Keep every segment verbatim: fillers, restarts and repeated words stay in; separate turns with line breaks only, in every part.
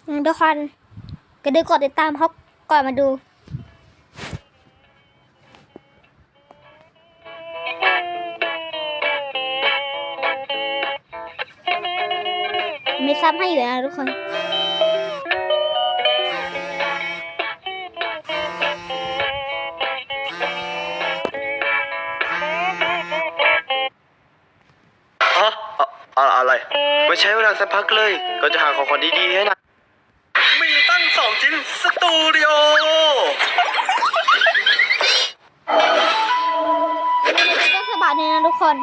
ทุกคนก็ดูกดติดตามเขาก่อนมาดูมีซับให้อยู่นะทุกคน
อะอะอะไรไม่ใช้เวลาสักพักเลยก็จะหาของขวัญดีๆให้นะมีตั้งสองชิ้นสตูดิโอ
ก็สบายเลยนะทุกคน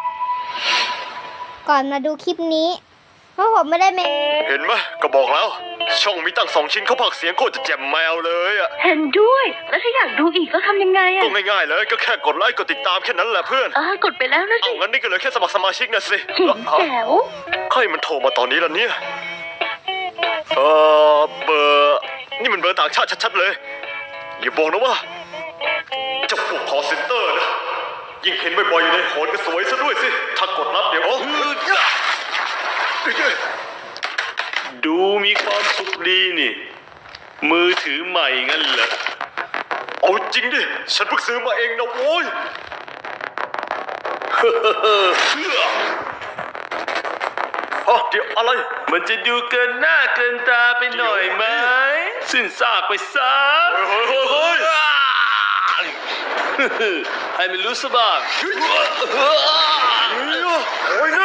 ก่อนมาดูคลิปนี้เพราะผมไม่ได้เมน
เห็นไหมก็บอกแล้ว ช่องมีตั้งสองชิ้นเขาผักเสียงโคตรจะแจ่มแมวเลยอ่ะ
เห็นด้วยแล้วถ้าอยากดูอีกก็ทำยังไงอะ
ก็ง่ายๆเลยก็แค่กดไลค์กดติดตามแค่นั้นแหละเพื่อน
เออกดไปแล้วนะ
เอา
สิ
งั้นนี่ก็เหลือแค่สมัครสมาชิกนะสิ
เจ๋งแจ๋ว
ใครมันโทรมาตอนนี้ล่ะเนี่ยเออเบอร์นี่มันเบอร์ต่างชาติชัดๆเลยอย่าบอกนะว่าเจ้าพวกคอเซ็นเตอร์นะยิ่งเห็นบ่อยๆอยู่ในโหนก็สวยซะด้วยสิถ้ากดรับเดี๋ยวอ๋อดูมีความสุขดีนี่มือถือใหม่งั้นเหรอเอาจริงดิฉันเพิ่งซื้อมาเองนะโว้ยอ๋อเดี๋ยวอะไรมันจะดูเกินหน้าเกินตาไปหน่อยไหมสิ้นซากไปซะเฮ้ยเฮ้ยเฮ้ยให้มันรู้สบ้าง